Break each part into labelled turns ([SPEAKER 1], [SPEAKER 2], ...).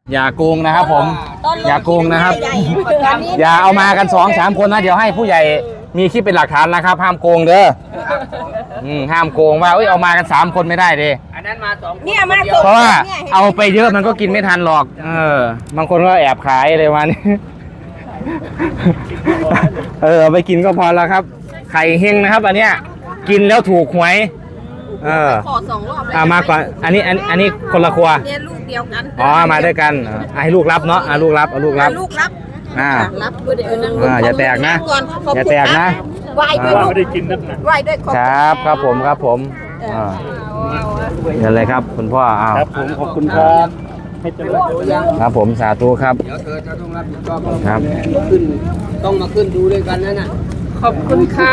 [SPEAKER 1] อย่าโกงนะครับผมอย่าโกงนะครับอย่าเอามากัน2-3คนนะเดี๋ยวให้ผู้ใหญ่มีคลิปเป็นหลักฐานนะครับห้ามโกงเด้อห้ามโกงว่าเอามากัน3คนไม่ได้ดิ
[SPEAKER 2] อันนั้นมา2 คน
[SPEAKER 3] เนี่ยมา
[SPEAKER 1] เพราะว่าเอาไปเยอะมันก็กินไม่ทันหรอกบางคนก็แอบขายเลยวันนี้เอาไปกินก็พอแล้วครับไข่เฮงนะครับอันเนี้ยกินแล้วถูกหวย
[SPEAKER 3] ขอ2 รอบแล้ว
[SPEAKER 1] มาก่อนอันนี้คนละครัว
[SPEAKER 3] เนี่ยลูกเดียวกัน
[SPEAKER 1] มาด้วยกันให้ลูกรับเนาะลูกรับเอาลูกรับ
[SPEAKER 3] รับด้วยเดี๋ยวนั้น
[SPEAKER 1] อย่าแตกนะอย่าแตกนะ
[SPEAKER 3] ไหวด้วย
[SPEAKER 2] ไม่ได้กินนักหนา
[SPEAKER 3] ไหวด้วย
[SPEAKER 1] ครับผมเดี๋ยวเลยครับคุณพ่อ
[SPEAKER 2] ครับผมขอบคุณครับให้เจริญ
[SPEAKER 1] ครับผมสาธุครับ
[SPEAKER 2] เดี๋ยวเธอจะต้องรับผิดชอบ
[SPEAKER 1] ครับ
[SPEAKER 2] ขึ้นต้องมาขึ้นดูด้วยกันนั่นน่ะ
[SPEAKER 3] ขอบคุณค่ะ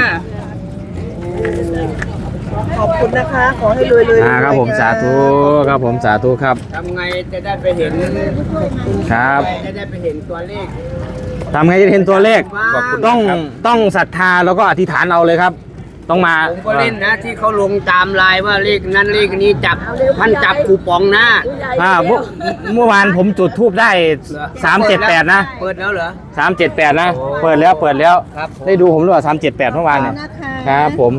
[SPEAKER 3] ขอบคุณนะคะขอให้รวยๆ
[SPEAKER 1] ครับผมสาธุครับผมสาธุครับ
[SPEAKER 2] ทำไงจะได้ไปเห็น
[SPEAKER 1] ครับ
[SPEAKER 2] จะได้ไปเห็นตัวเลข
[SPEAKER 1] ทำไงจะเห็นตัวเลขต้องศรัทธาแล้วก็อธิษฐานเอาเลยครับต้องมา
[SPEAKER 2] ผมก็เล่นนะที่เขาลงตามไลน์ว่าเลขนั้นเลขนี้จับคูปองนะ
[SPEAKER 1] เมื่อวานผมจุดทูบได้378นะ
[SPEAKER 2] เปิดแล้วเหรอ
[SPEAKER 1] 378นะเปิดแล้วได้ดูผมหรือเปล่า378เมื่อวานเนี่ยครับผม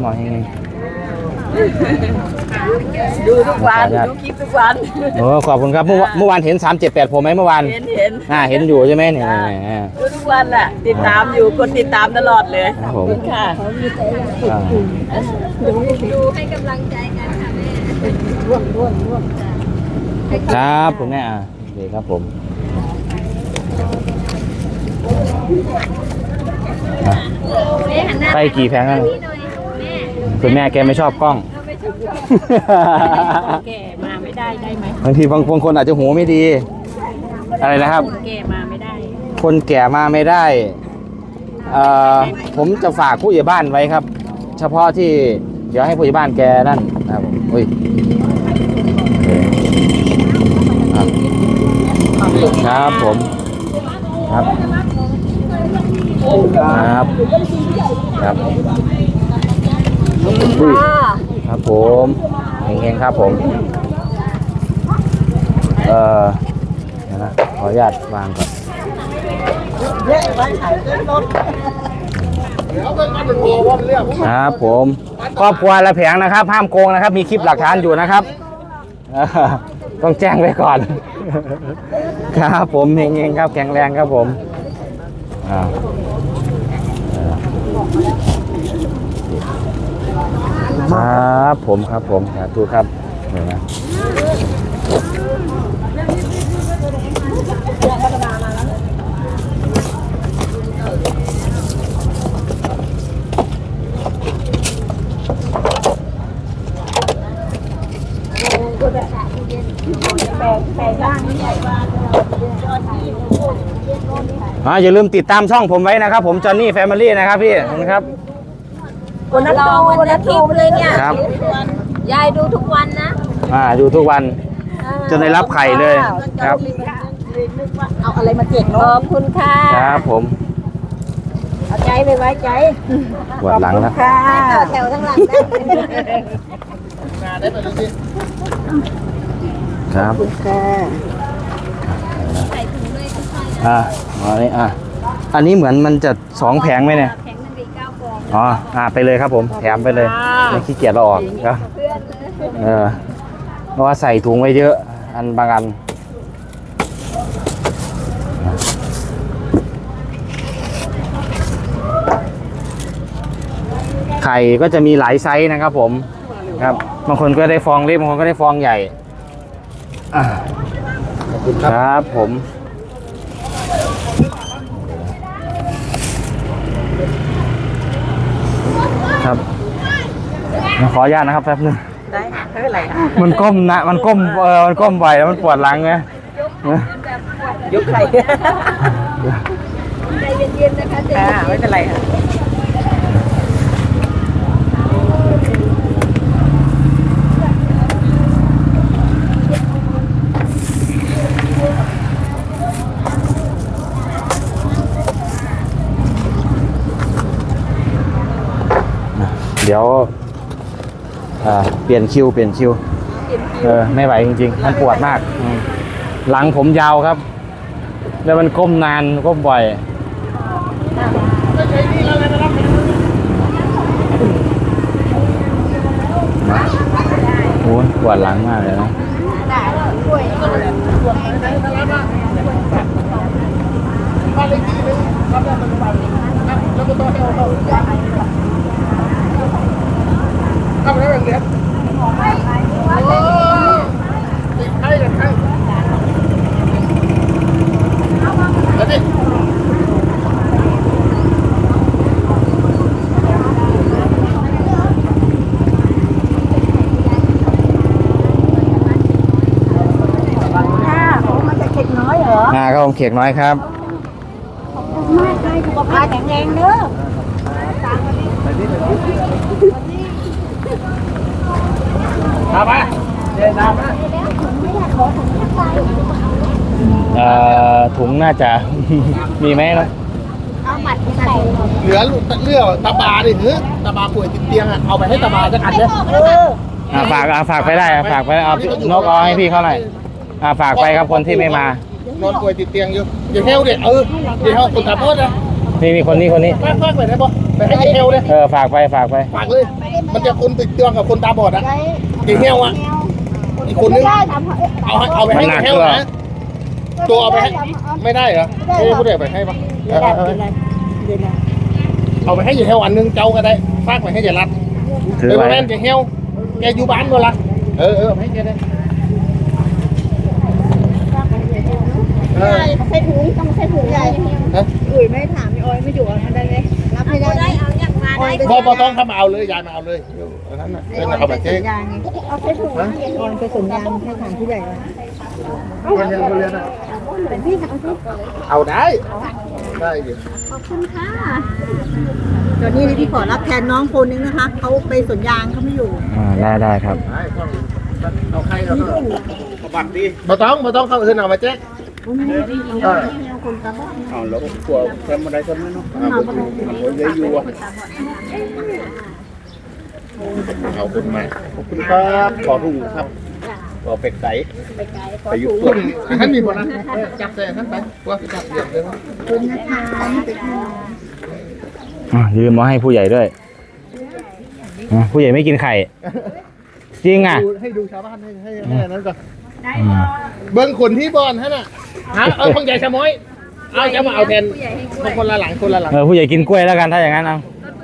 [SPEAKER 3] ดูทุกวันดูคลิปทุกวัน
[SPEAKER 1] ขอบคุณครับเมื่อวานเห็น378ผมไหมเมื่อวานเห็นอยู่ใช่ไหมเนี่ย
[SPEAKER 3] ดูทุกวันแหละติดตามอยู่คนติดตามตลอดเลยขอบคุณค่ะ
[SPEAKER 4] ดูให้กำลังใจกันค่ะแม่
[SPEAKER 1] ครับผมเนี่ยโอเคครับผมไปกี่แผงแล้วคุณแม่แกไม่ชอบกล้อง
[SPEAKER 3] แก่มาไม่ได้ไหม
[SPEAKER 1] บางทีบางคนอาจจะหูไม่ดีอะไรนะครับ
[SPEAKER 3] คนแก่มาไม่ได้
[SPEAKER 1] คนแก่มาไม่ได้ผมจะฝากผู้ใหญ่บ้านไว้ครับเฉพาะที่เดี๋ยวให้ผู้ใหญ่บ้านแกนั่นนะครับครับผมครับครับผมเฮงๆครับผมนะขออนุญาตวางก่อนครับผมครอบครัวละแผงนะครับห้ามโกงนะครับมีคลิปหลักฐานอยู่นะครับต้องแจ้งไว้ก่อนครับผมเฮงๆครับแข็งแรงครับผมครับผมสาธุครับเดี๋ยวนะอย่าลืมติดตามช่องผมไว้นะครับผมจอห์นนี่แฟมิลี่นะครับพี่นะครับ
[SPEAKER 4] รอวันอาทิตย์เลยเนี่ยยายดูทุกวันนะ
[SPEAKER 1] ดูทุกวันจนได้รับไข่เลยครับ
[SPEAKER 3] เอาอะไรมาเจ็ก
[SPEAKER 4] ขอบคุณค่ะ
[SPEAKER 1] ครับผม
[SPEAKER 3] เอาใจไปไว้ใจ
[SPEAKER 1] ปวดหลังแล้ว
[SPEAKER 4] แถวทั้งหลัง
[SPEAKER 1] ครับอันนี้เหมือนมันจะ2 แผงไหมเนี่ยไปเลยครับผมแถมไปเลยไม่ขี้เกียจเราออกครับเพราะว่าใส่ถุงไว้เยอะอันบางอันไข่ก็จะมีหลายไซส์นะครับผมครับบางคนก็ได้ฟองเล็กบางคนก็ได้ฟองใหญ่ครับผมครับขออนุญาตนะครับแป๊บนึง
[SPEAKER 3] ได้ไม่เป็นไรค่ะ
[SPEAKER 1] มันก้มนะมันก้มบ่อยแล้วมันปวดหลังไง
[SPEAKER 3] ยกไข่
[SPEAKER 4] ใจเย็นๆนะคะ
[SPEAKER 3] ไม่เป็นไรค่ะ
[SPEAKER 1] เดี๋ยวเปลี่ยนคิวไม่ไหวจริงๆมันปวดมากหลังผมยาวครับ แล้วมันก้มนานก้มบ่อยโอ้ยปวดหลังมากเลยนะครับผมเขียกน้อยครับ
[SPEAKER 4] มากเลยสุขภาพแข็งแรงเด้อ
[SPEAKER 2] เอาไปเดินตามมา
[SPEAKER 1] ถุงน่าจะ มีไหมครับ
[SPEAKER 4] เอาบัตรไปใส่
[SPEAKER 2] เหลือตาบาดิตาบาป่วยติดเตียงอ่ะเอาไปให้ตาบาสักอันเนี่ย
[SPEAKER 1] ฝากไปได้ฝากไปเอานกเอาให้พี่เขาหน่อยฝากไปครับคนที่ไม่มาน
[SPEAKER 2] อนป่วยติดเตียงอยู่อย่าเฮลเด็ดอย่าเฮลคนตาบอดนะ
[SPEAKER 1] นี่คนนี้
[SPEAKER 2] ฝากไปได้ปะไปให้เฮลเลย
[SPEAKER 1] ฝากไป
[SPEAKER 2] ฝากเลย มันจะคนติดเตียงกับคนตาบอดอ่ะอย่าเฮลอ่ะอีกคนนึงเอาไปให้เฮลนะตัวเอาไปให้ไม่ได้เหรอไม่พูดไปให้ปะเอาไปให้อย่าเฮลอันนึงเจ้าก็ได้ฝากไปให้อย่ารัด
[SPEAKER 1] ถือ
[SPEAKER 2] เออ
[SPEAKER 1] ไว้
[SPEAKER 2] แม่นอย่าเฮลแกอยู่บ้านก็ละให้แกได้
[SPEAKER 4] ใส่ถุงต้องใส่ถุงใหญ่อุ้ยไม่ถามพี่ออยไม่อยู่อันใดเลยรับไม่ได้เอาอย่างมาได้
[SPEAKER 2] พอต้องเข้ามาเอาเลยยายมาเอาเลยอันนั้นน่ะเป็นเอาไปเจ๊
[SPEAKER 4] เอาใส่ถุงออยไปสัญญาณให้ถามผู้ใหญ่ว่า
[SPEAKER 2] คนเรียนอ่ะ
[SPEAKER 4] เป็นพี่ถามพี่
[SPEAKER 2] เอาได้อยู่
[SPEAKER 4] ขอบคุณค่ะตอนนี้พี่ขอรับแทนน้องคนนึงนะคะเขาไปสวนยางเขาไม่อยู่
[SPEAKER 1] ได้ครับ
[SPEAKER 2] เอาใครเอาบัตรดีมาต้องเข้าอื่นเอามาแจ๊กเอาแล้วกลัวแคมอะไรกันไหมเนาะเอาเลยอยู่เอาคนมาขอบคุณครับขอถุงครับขอเป็ดไก่ไปยุบตัวท่านมีคนนะจับแต่ท่านไปว่าจับเดี่ยวเลยคุณนะคะ
[SPEAKER 1] ยืมมาให้ผู้ใหญ่ด้วยผู้ใหญ่ไม่กินไข่จริงอ่ะ
[SPEAKER 2] ให้ดูชาวบ้านให้นั้นก่อนเบิ้งคนที่บอลฮะน่ะของใหญ่ชะม้อยเอาจะมาเอาแทนคนละหลัง
[SPEAKER 1] ผู้ใหญ่กินกล้วยแล้วกันถ้าอย่างนั้นเอา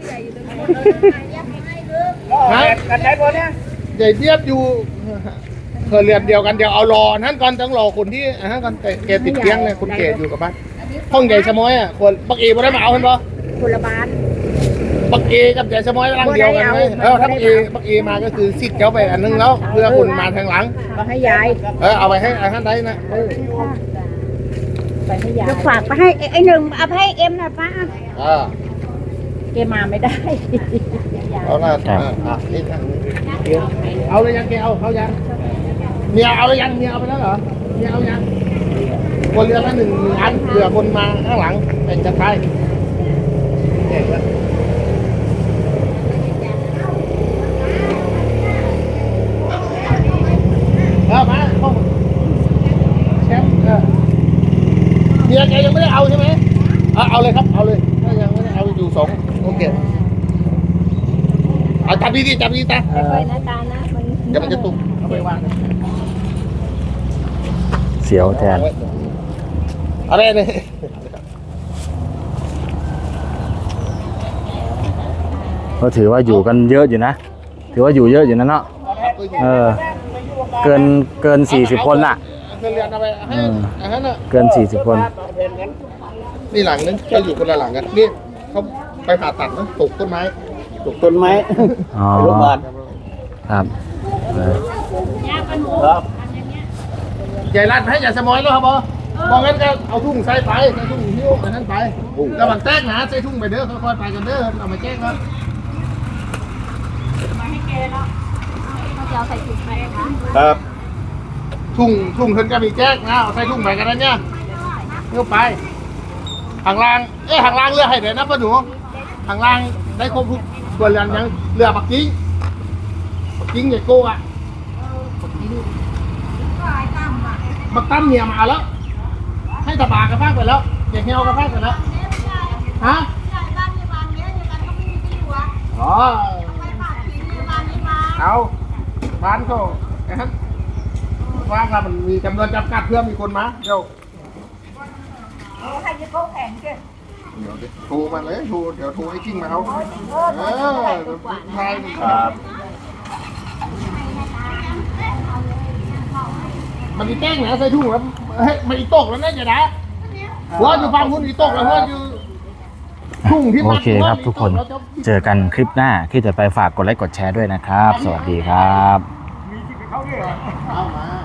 [SPEAKER 2] กันได้บอลเนี่ยใหญ่เทียบอยู่เคยเรียนเดียวกันเดี๋ยวเอารอนั่นก่อนต้องรอคนที่ก่อนแกติดเตียงเลยคนแก่อยู่กับบ้านห้องใหญ่ชะม้อยอ่ะคนปักเอ๋บ่ได้มาเอาเห็นปะ
[SPEAKER 4] คนละบ้าน
[SPEAKER 2] ปักเอกับใหญ่ชะม้อยร่างเดียวกันเลยถ้าปักเอมาก็คือสิทธิ์เจ้าไปอันนึงแล้วเพื่อคนมาทางหลัง
[SPEAKER 4] ก็ให้ยาย
[SPEAKER 2] เอาไปให้ท่านได้นะ
[SPEAKER 4] ไปให้ยายฝากไปให้ไอ้หนึ่งเอาไปให้เอ็มนะป้าเกมาไม่ได้
[SPEAKER 2] เอาละนี่เอาเลยยังแกเอายังเนี่ยเอาเลยยังเนี่ยเอาไปแล้วเหรอเนี่ยเอายังคนเรือละหนึ่งอันเผื่อคนมาข้างหลังเป็นจะไปมาแชมป์เนี่ยแกยังไม่ได้เอาใช่ไหมเอาเลยครับเอาเลยถ้ายังไม่ได้เอาอยู่2โอเคจับดีตา
[SPEAKER 4] ค่อยๆนะตานะมัน
[SPEAKER 2] เดี๋ยวมันจะตุกเอาไปวาง
[SPEAKER 1] เสียวแทน
[SPEAKER 2] อะไรเนี่ย
[SPEAKER 1] ก็ถือว่าอยู่กันเยอะอยู่นะถือว่าอยู่เยอะอยู่นะเนาะเกิน40 คนล่ะเกิน40 คน
[SPEAKER 2] นี่หลังนึงก็อยู่คนละหลังกันนี่เขาไปผ่าตัดนะตกต้นไม้
[SPEAKER 1] อ๋อ
[SPEAKER 2] โรงพยาบาล
[SPEAKER 1] ครับ
[SPEAKER 2] ใหญ่รัดให้ใหญ่สมอยแล้วครับบองั้นก็เอาทุ่งใส่ไปใส่ทุ่งหิ้วอันนั้นไประหว่างแตกนะใส่ทุ่งไปเด้อค่อยๆไปกันเด้อเอามาแจ้งครับ
[SPEAKER 4] มาให้แกแล้วเขาจะเอาใส่ถุงไปนะคะ
[SPEAKER 2] ครับทุ่งเพิ่นก็มีแจ้งนะเอาใส่ทุ่งไปกันนะเนี่ยเลี้ยวไปห่างล่างห่างล่างเรือให้เดี๋ยวนะป้าหนูห่างล่างได้ครบทุกตัวเรือนยังเรือปักกิ้งใหญ่โก้อะบักตั้มเมียมาแล้ว ให้ตาบากระพากไปแล้วเด็กเฮลกระพากไปแล้วฮะอ๋อเอาบ้านเขาไอ้ท่านว่ากันมันมีจำนวนจำกัดเพื่อมีคนมาเดี๋ยวใครจะโค้งแข่งกันเดี๋ยวโทรมาเลยโทรเดี๋ยวโทรให้กิ้งมาเอาใช่ครับมันมีแป้งนะใส่ถุงแล้วเฮ้ยมันอีตกแล้วนะเจ๊นะว่าอยู่ฟังคุณอีตกแล้วว่าอยู่ถุงที่
[SPEAKER 1] โอเคครับทุกคนเจอกันคลิปหน้าที่จะไปฝากกดไลค์กดแชร์ด้วยนะครับ สวัสดีครับ
[SPEAKER 2] เอามา